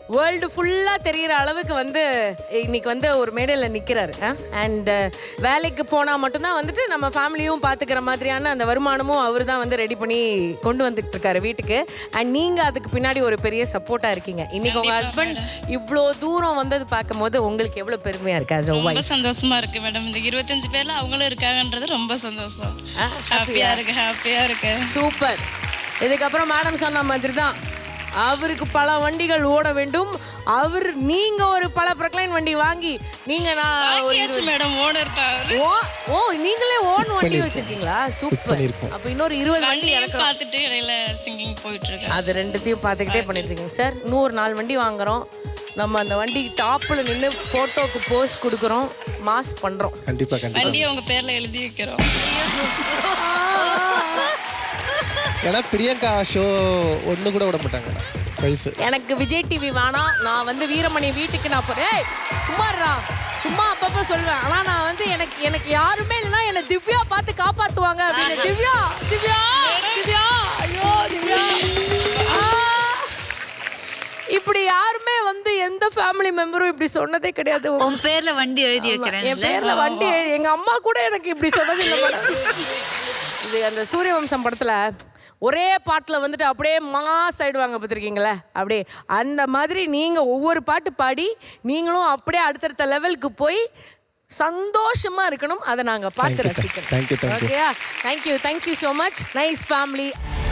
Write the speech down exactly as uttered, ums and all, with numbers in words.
World ஃபுல்லாக தெரிகிற அளவுக்கு வந்து இன்னைக்கு வந்து ஒரு மேடையில் நிற்கிறாரு. அண்ட் வேலைக்கு போனால் மட்டும்தான் வந்துட்டு நம்ம ஃபேமிலியும் பார்த்துக்கிற மாதிரியான அந்த வருமானமும் அவர் தான் வந்து ரெடி பண்ணி கொண்டு வந்துட்டு இருக்காரு வீட்டுக்கு. அண்ட் நீங்கள் அதுக்கு பின்னாடி ஒரு பெரிய சப்போர்ட்டாக இருக்கீங்க. இன்னைக்கு உங்கள் ஹஸ்பண்ட் இவ்வளோ தூரம் வந்தது பார்க்கும் போது உங்களுக்கு எவ்வளோ பெருமையாக இருக்கு? அது ரொம்ப சந்தோஷமா இருக்கு மேடம். இந்த இருபத்தஞ்சு பேர்ல அவங்களும் இருக்காங்கன்றது ரொம்ப சந்தோஷம். ஹாப்பியா இருக்கு, ஹாப்பியா இருக்கு. சூப்பர். இதுக்கப்புறம் மேடம் சொன்ன மாதிரி தான் அவருக்கு பல வண்டிகள் ஓட வேண்டும். அவர் நீங்க ஒரு பல ப்ரொக்ளைன் வண்டி வாங்கி நீங்க நான் மேடம் ஓனர் ஓ ஓ நீங்களே ஓன் வண்டி வச்சிருக்கீங்களா? சூப்பர். அப்ப இன்னொரு இருபது வண்டி எனக்கு பார்த்துட்டு இடையில சிங்கிங் போயிட்டு இருக்கு. அது ரெண்டுத்தையும் பார்த்துக்கிட்டே பண்ணிட்டு இருக்கீங்க சார். நூறு நாலு வண்டி வாங்குறோம். நம்ம அந்த வண்டி டாப்ல நின்று போட்டோக்கு போஸ்ட் கொடுக்குறோம், மாஸ் பண்றோம். கண்டிப்பா கண்டிப்பா வண்டியை உங்க பேர்ல எழுதி வைக்கிறோம். ஏன்னா பிரியங்கா ஷோ ஒன்று கூட விட மாட்டாங்க. எனக்கு விஜய் டிவி வேணாம், நான் வந்து வீரமணி வீட்டுக்கு நான் போறேன். சும்மாறா சும்மா அப்பப்போ சொல்லுவேன். ஆனால் நான் வந்து எனக்கு எனக்கு யாருமே இல்லைன்னா என்னை திவ்யா பார்த்து காப்பாற்றுவாங்க அப்படின்னு. திவ்யா திவ்யா திவ்யா ஐயோ திவ்யா இப்படி யாருமே வந்து எந்த ஃபேமிலி மெம்பரும் இப்படி சொன்னதே கிடையாது. உன் பேர்ல வண்டி எழுதி வைக்கிறேன். என் பேர்ல வண்டி எங்க அம்மா கூட எனக்கு இப்படி சொன்னது இல்லை. இது அந்த சூரியவம்சம் படத்துல ஒரே பாட்டில் வந்துட்டு அப்படியே மாஸ் ஆயிடுவாங்க பார்த்துருக்கீங்களே, அப்படியே அந்த மாதிரி நீங்கள் ஒவ்வொரு பாட்டு பாடி நீங்களும் அப்படியே அடுத்தடுத்த லெவலுக்கு போய் சந்தோஷமா இருக்கணும். அதை நாங்கள் பார்த்து ரசிக்கிறோம். தேங்க்யூ தேங்க்யூ ஓகேயா? Thank you thank you so much. Nice family.